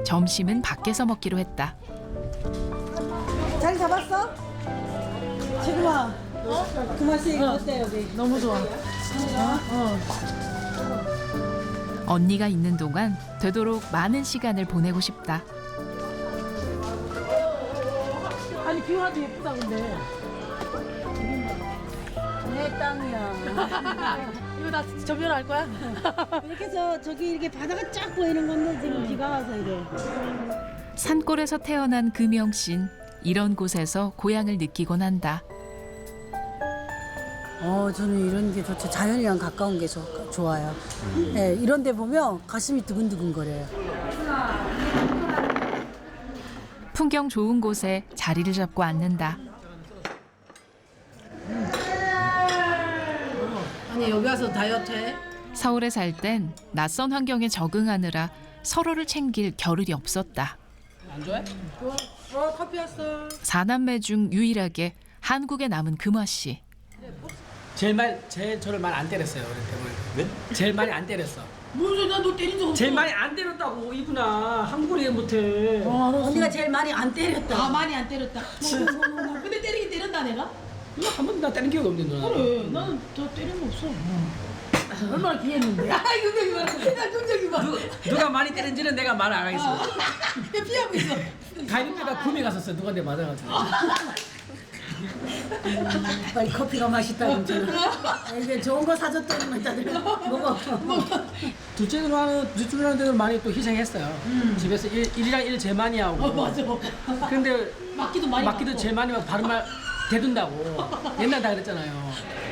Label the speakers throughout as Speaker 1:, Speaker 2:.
Speaker 1: 점심은 밖에서 먹기로 했다.
Speaker 2: 자리 잡았어? 지금아. 그 맛이 어때 여기?
Speaker 3: 너무 좋아.
Speaker 1: 언니가 있는 동안 되도록 많은 시간을 보내고 싶다.
Speaker 3: 아니 비와도 예쁘다 근데.
Speaker 2: 내 땅이야.
Speaker 3: 이거 나 저변할 거야?
Speaker 2: 이렇게 해서 저기 이렇게 바다가 쫙 보이는 건데 지금 비가 와서 이래.
Speaker 1: 산골에서 태어난 금영 씨는 이런 곳에서 고향을 느끼곤 한다.
Speaker 2: 저는 이런 게 좋죠. 자연이랑 가까운 게 좋아요. 네, 이런 데 보면 가슴이 두근두근거려요.
Speaker 1: 풍경 좋은 곳에 자리를 잡고 앉는다.
Speaker 3: 아니 여기 와서 다이어트 해?
Speaker 1: 서울에 살 땐 낯선 환경에 적응하느라 서로를 챙길 겨를이 없었다.
Speaker 3: 안 좋아해? 좋아. 커피 왔어.
Speaker 1: 사남매 중 유일하게 한국에 남은 금화 씨.
Speaker 4: 제일 저를 많이 안 때렸어요 어릴 때. 네? 제일 많이 안 때렸어.
Speaker 3: 무슨 소리야? 너 때린 적 없어.
Speaker 4: 제일 많이 안 때렸다고 이구나. 한국을 이해 못해.
Speaker 2: 언니가 제일 많이 안 때렸다.
Speaker 3: 아 많이 안 때렸다. 근데 때리긴 때렸다 내가?
Speaker 4: 이거 한 번도 나 때린 기억이 없는데 너는.
Speaker 3: 그래. 나는 더 때린 거 없어. 얼마나 귀했는데. 아 긍정이 봐. 나 긍정이 봐.
Speaker 4: 누가 많이 때린지는 내가 말 안 하겠어.
Speaker 3: 내 피하고 있어.
Speaker 4: 가이드가 구미 갔었어. 누가 내 맞아가지고.
Speaker 2: 빨리 커피가 맛있다 진짜. 이게 좋은 거 사줬더니 다들 먹어.
Speaker 4: 둘째 누나들 많이 또 희생했어요. 집에서 일이랑 일 제일 많이 하고.
Speaker 3: 맞아.
Speaker 4: 근데
Speaker 3: 맞기도 많이
Speaker 4: 맞기도
Speaker 3: 맞고.
Speaker 4: 제일 많이 하고 바른 말 대둔다고. 옛날 다 그랬잖아요.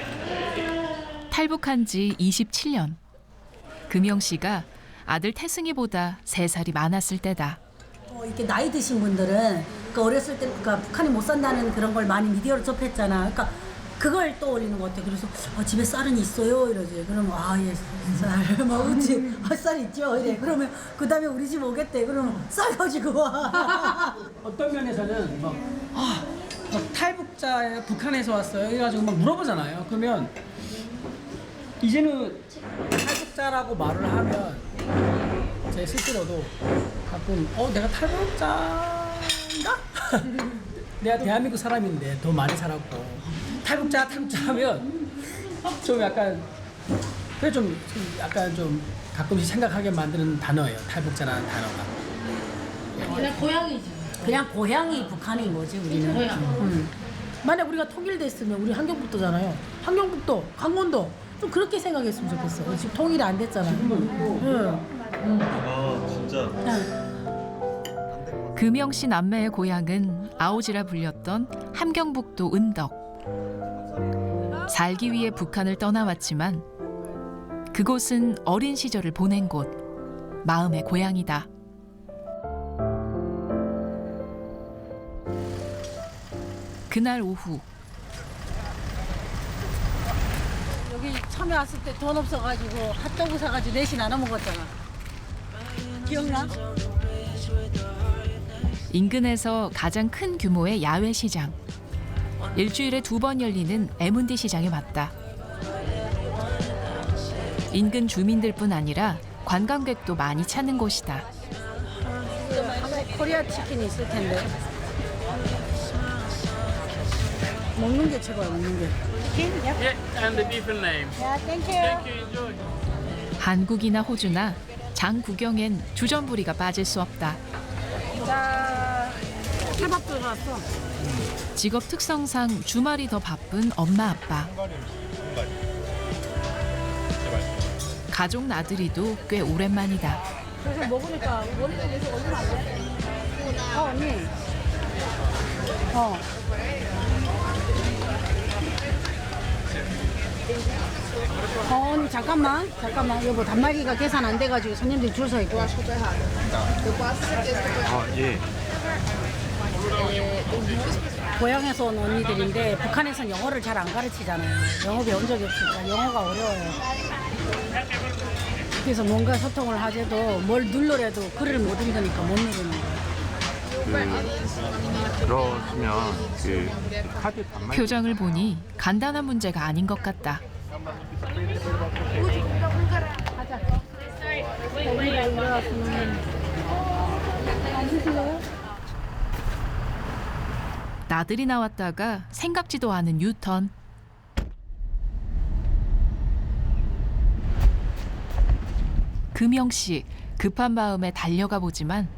Speaker 1: 탈북한 지 27년. 금영 씨가 아들 태승이보다 3살이 많았을 때다.
Speaker 2: 이렇게 나이 드신 분들은 그 어렸을 때 북한이 못 산다는 그런 걸 많이 미디어로 접했잖아. 그러니까 그걸 떠올리는 것 같아. 그래서 집에 쌀은 있어요 이러지. 그러면 예, 쌀, 막 그치. 쌀 있죠 이래. 그러면 그 다음에 우리 집 오겠대. 그러면 쌀 가지고 와.
Speaker 4: 어떤 면에서는 막 탈북자 북한에서 왔어요. 이래가지고 막 물어보잖아요. 그러면 이제는 탈북자라고 말을 하면 제 스스로도 가끔 내가 탈북자인가? 내가 대한민국 사람인데 더 많이 살았고 탈북자 하면 좀 약간 그래 좀 약간 좀 가끔씩 생각하게 만드는 단어예요. 탈북자라는 단어가.
Speaker 3: 그냥 고향이지.
Speaker 2: 그냥 고향이 북한인 거지 우리는.
Speaker 3: 고향. 만약 우리가 통일됐으면 우리 함경북도잖아요. 함경북도, 강원도 좀 그렇게 생각했으면 좋겠어. 지금 통일이 안 됐잖아.
Speaker 5: 아 진짜.
Speaker 1: 금영 씨 남매의 고향은 아오지라 불렸던 함경북도 은덕. 살기 위해 북한을 떠나왔지만 그곳은 어린 시절을 보낸 곳, 마음의 고향이다. 그날 오후
Speaker 2: 여기 처음에 왔을 때 돈 없어가지고 핫도그 사가지고 넷이 나눠 먹었잖아. 기억나?
Speaker 1: 인근에서 가장 큰 규모의 야외 시장. 일주일에 2번 열리는 M&D 시장에 왔다. 인근 주민들뿐 아니라 관광객도 많이 찾는 곳이다.
Speaker 2: 코리아 치킨이 있을 텐데. 먹는 게 최고야, 먹는 게.
Speaker 6: Yeah, and the different name.
Speaker 2: 야, 땡큐.
Speaker 6: Thank you, enjoy.
Speaker 1: 한국이나 호주나 장 구경엔 주전부리가 빠질 수 없다.
Speaker 2: 쌀밥 들어갔어.
Speaker 1: 직업 특성상 주말이 더 바쁜 엄마 아빠. 가족 나들이도 꽤 오랜만이다.
Speaker 3: 그래서 먹으니까 원래 계속 올리면 안 돼?
Speaker 2: 언니. 언니 잠깐만 여보 단말기가 계산 안 돼가지고 손님들이 줄 서 있고.
Speaker 5: 아 예.
Speaker 2: 고향에서 온 언니들인데 북한에선 영어를 잘 안 가르치잖아요. 영어 배운 적이 없으니까 영어가 어려워요. 그래서 뭔가 소통을 하재도 뭘 눌러래도 글을 못 읽으니까 못 누르는 거예요.
Speaker 5: 그러시면 그 카드 단말
Speaker 1: 표정을 보니 간단한 문제가 아닌 것 같다.
Speaker 2: 우리가 일어났으면
Speaker 1: 나들이 나왔다가 생각지도 않은 유턴. 금영 씨 급한 마음에 달려가 보지만